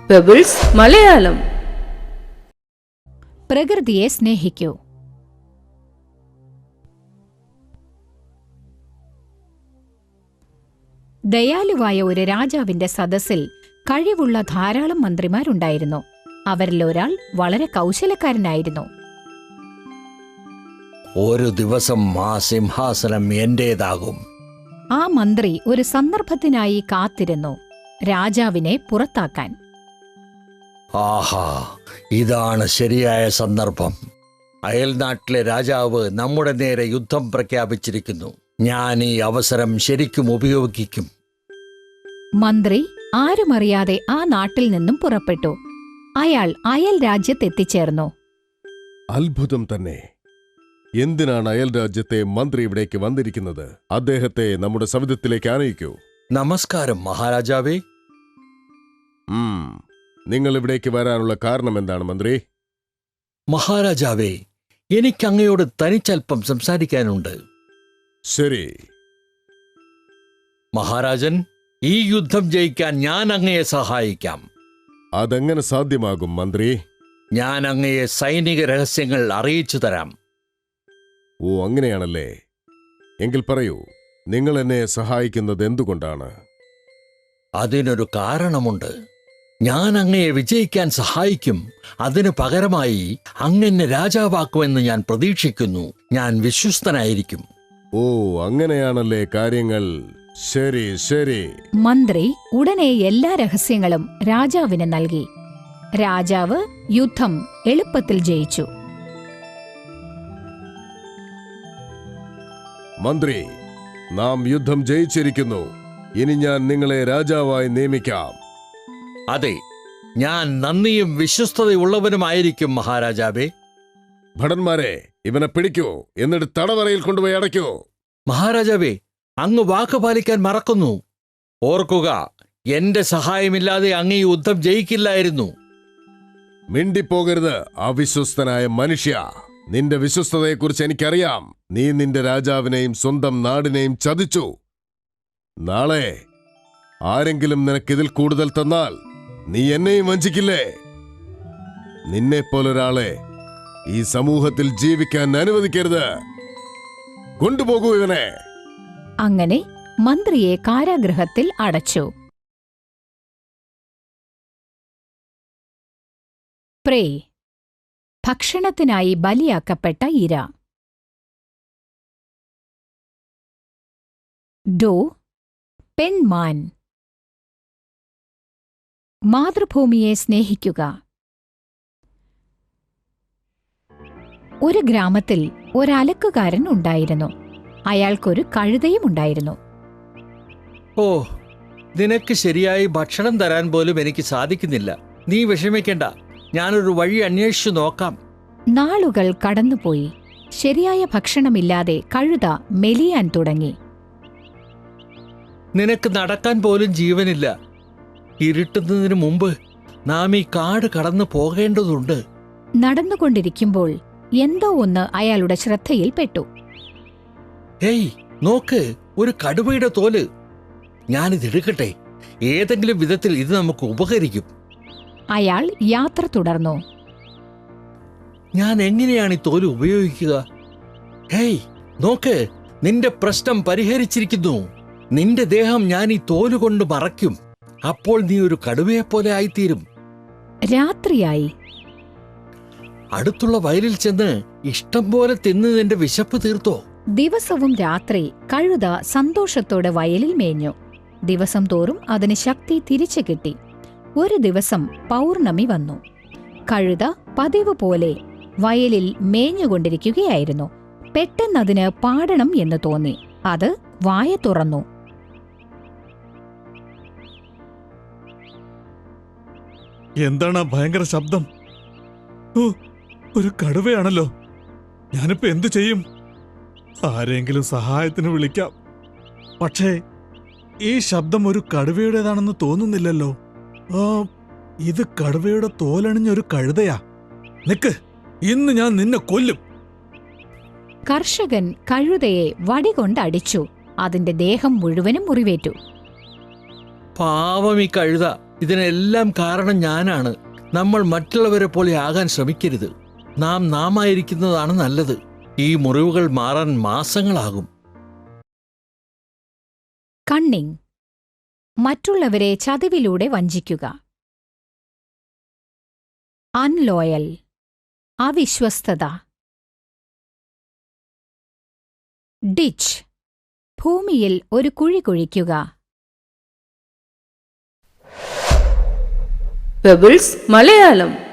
Pebbles Malayalam. പ്രകൃതിയെ സ്നേഹിക്കൂ. ദയാലുവായ ഒരു രാജാവിന്റെ സദസ്സിൽ കഴിവുള്ള ധാരാളം മന്ത്രിമാരുണ്ടായിരുന്നു. അവരിൽ ഒരാൾ വളരെ കൗശലക്കാരനായിരുന്നു. ഒരു ദിവസം ആ സിംഹാസനം എന്റേതാകും. ആ മന്ത്രി ഒരു സന്ദർഭത്തിനായി കാത്തിരുന്നു, രാജാവിനെ പുറത്താക്കാൻ. ആഹാ, ഇതാണ് ശരിയായ സന്ദർഭം. അയൽനാട്ടിലെ രാജാവ് നമ്മുടെ നേരെ യുദ്ധം പ്രഖ്യാപിച്ചിരിക്കുന്നു. ഞാൻ ഈ അവസരം ശരിക്കും ഉപയോഗിക്കും. മന്ത്രി ആരുമറിയാതെ ആ നാട്ടിൽ നിന്നും പുറപ്പെട്ടു. അയാൾ അയൽ രാജ്യത്തെത്തിച്ചേർന്നു. അത്ഭുതം തന്നെ. എന്തിനാണ് അയൽ രാജ്യത്തെ മന്ത്രി ഇവിടേക്ക് വന്നിരിക്കുന്നത്? അദ്ദേഹത്തെ നമ്മുടെ സവിധത്തിലേക്ക് ആനയിക്കൂ. നമസ്കാരം മഹാരാജാവേ. നിങ്ങൾ ഇവിടേക്ക് വരാനുള്ള കാരണം എന്താണ് മന്ത്രി? മഹാരാജാവേ, എനിക്കങ്ങയോട് തനിച്ചൽപ്പം സംസാരിക്കാനുണ്ട്. ശരി. മഹാരാജൻ, ഈ യുദ്ധം ജയിക്കാൻ ഞാൻ അങ്ങയെ സഹായിക്കാം. അതെങ്ങനെ സാധ്യമാകും മന്ത്രി? ഞാൻ അങ്ങയെ സൈനിക രഹസ്യങ്ങൾ അറിയിച്ചു തരാം. ഓ, അങ്ങനെയാണല്ലേ. എങ്കിൽ പറയൂ, നിങ്ങൾ എന്നെ സഹായിക്കുന്നത് എന്തുകൊണ്ടാണ്? അതിനൊരു കാരണമുണ്ട്. ഞാൻ അങ്ങയെ വിജയിക്കാൻ സഹായിക്കും. അതിനു പകരമായി അങ്ങെന്നെ രാജാവാക്കുമെന്ന് ഞാൻ പ്രതീക്ഷിക്കുന്നു. ഞാൻ വിശ്വസ്തനായിരിക്കും. ഓ, അങ്ങനെയാണല്ലേ കാര്യങ്ങൾ. ശരി ശരി. മന്ത്രി ഉടനെ എല്ലാ രഹസ്യങ്ങളും രാജാവിന് നൽകി. രാജാവ് യുദ്ധം എളുപ്പത്തിൽ ജയിച്ചു. മന്ത്രി, നാം യുദ്ധം ജയിച്ചിരിക്കുന്നു. ഇനി ഞാൻ നിങ്ങളെ രാജാവായി നിയമിക്കാം. അതെ, ഞാൻ നന്ദിയും വിശ്വസ്തതയുള്ളവനുമായിരിക്കും മഹാരാജാവേ. ഭടന്മാരെ, ഇവനെ പിടിക്കൂ, എന്നിട്ട് തടവറയിൽ കൊണ്ടുപോയി അടയ്ക്കൂ. മഹാരാജാവേ, അങ്ങ് വാക്ക് പാലിക്കാൻ മറക്കുന്നു. ഓർക്കുക, എന്റെ സഹായമില്ലാതെ അങ്ങ് ഈ യുദ്ധം ജയിക്കില്ലായിരുന്നു. മിണ്ടിപ്പോകരുത് അവിശ്വസ്തനായ മനുഷ്യ. നിന്റെ വിശ്വസ്തതയെക്കുറിച്ച് എനിക്കറിയാം. നീ നിന്റെ രാജാവിനെയും സ്വന്തം നാടിനെയും ചതിച്ചു. നാളെ ആരെങ്കിലും നിനക്കിതിൽ കൂടുതൽ തന്നാൽ നീ എന്നെയും വഞ്ചിക്കില്ലേ? നിന്നെപ്പോലൊരാളെ ഈ സമൂഹത്തിൽ ജീവിക്കാൻ അനുവദിക്കരുത്. കൊണ്ടുപോകൂ ഇവനെ. അങ്ങനെ മന്ത്രിയെ കാരാഗൃഹത്തിൽ അടച്ചു. പ്രേ, ഭക്ഷണത്തിനായി ബലിയാക്കപ്പെട്ട ഇര. ഡോ, പെൺമാൻ. മാതൃഭൂമിയെ സ്നേഹിക്കുക. ഒരു ഗ്രാമത്തിൽ ഒരലക്കുകാരൻ ഉണ്ടായിരുന്നു. അയാൾക്കൊരു കഴുതയും ഉണ്ടായിരുന്നു. ഓ, നിനക്ക് ശരിയായി ഭക്ഷണം തരാൻ പോലും എനിക്ക് സാധിക്കുന്നില്ല. നീ വിഷമിക്കണ്ട, ഞാനൊരു വഴി അന്വേഷിച്ചു നോക്കാം. നാളുകൾ കടന്നുപോയി. ശരിയായ ഭക്ഷണമില്ലാതെ കഴുത മെലിയാൻ തുടങ്ങി. നിനക്ക് നടക്കാൻ പോലും ജീവനില്ല. ഇരുട്ടുന്നതിന് മുമ്പ് നാം ഈ കാട് കടന്നു പോകേണ്ടതുണ്ട്. നടന്നുകൊണ്ടിരിക്കുമ്പോൾ എന്തോ ഒന്ന് അയാളുടെ ശ്രദ്ധയിൽപ്പെട്ടു. ഹേയ്, നോക്ക്, ഒരു കടുവയുടെ തോല്. ഞാനിതെടുക്കട്ടെ. ഏതെങ്കിലും വിധത്തിൽ ഇത് നമുക്ക് ഉപകരിക്കും. അയാൾ യാത്ര തുടർന്നു. ഞാൻ എങ്ങനെയാണ് ഈ തോല് ഉപയോഗിക്കുക? ഹേയ്, നോക്ക്, നിന്റെ പ്രശ്നം പരിഹരിച്ചിരിക്കുന്നു. നിന്റെ ദേഹം ഞാൻ ഈ തോലുകൊണ്ട് മറയ്ക്കും. അപ്പോൾ നീ ഒരു കടുവയെപ്പോലെ ആയിത്തീരും. രാത്രിയായി. അടുത്തുള്ള വയലിൽ ചെന്ന് ഇഷ്ടം പോലെ തിന്ന് നിന്റെ വിശപ്പ് തീർത്തോ. ദിവസവും രാത്രി കഴുത സന്തോഷത്തോടെ വയലിൽ മേഞ്ഞു. ദിവസം തോറും അതിന് ശക്തി തിരിച്ചു കിട്ടി. ഒരു ദിവസം പൗർണമി വന്നു. കഴുത പതിവ് പോലെ വയലിൽ മേഞ്ഞുകൊണ്ടിരിക്കുകയായിരുന്നു. പെട്ടെന്നതിന് പാടണം എന്ന് തോന്നി. അത് വായ തുറന്നു. എന്താണ് ഭയങ്കര ശബ്ദം? ഓ, ഒരു കടുവയാണല്ലോ. ഞാനിപ്പോ എന്തു ചെയ്യും? ആരെങ്കിലും സഹായത്തിന് വിളിക്കാം. പക്ഷേ ഈ ശബ്ദം ഒരു കടുവയുടേതാണെന്ന് തോന്നുന്നില്ലല്ലോ. ഇത് കടുവയുടെ തോലണിഞ്ഞൊരു കഴുതയാ. നിക്ക്, ഇന്ന് ഞാൻ നിന്നെ കൊല്ലും. കർഷകൻ കഴുതയെ വടികൊണ്ടടിച്ചു. അതിന്റെ ദേഹം മുഴുവനും മുറിവേറ്റു. പാവം ഈ കഴുത. ഇതിനെല്ലാം കാരണം ഞാനാണ്. നമ്മൾ മറ്റുള്ളവരെ പോലെ ആകാൻ ശ്രമിക്കരുത്. നാം ആയിരിക്കുന്നതാണ് നല്ലത്. ഈ മുറിവുകൾ മാറാൻ മാസങ്ങളാകും. കണ്ണിങ്, മറ്റുള്ളവരെ ചതിവിലൂടെ വഞ്ചിക്കുക. അൺലോയൽ, അവിശ്വസ്തത. ഡിച്ച്, ഭൂമിയിൽ ഒരു കുഴി കുഴിക്കുക. പെബിൾസ് മലയാളം.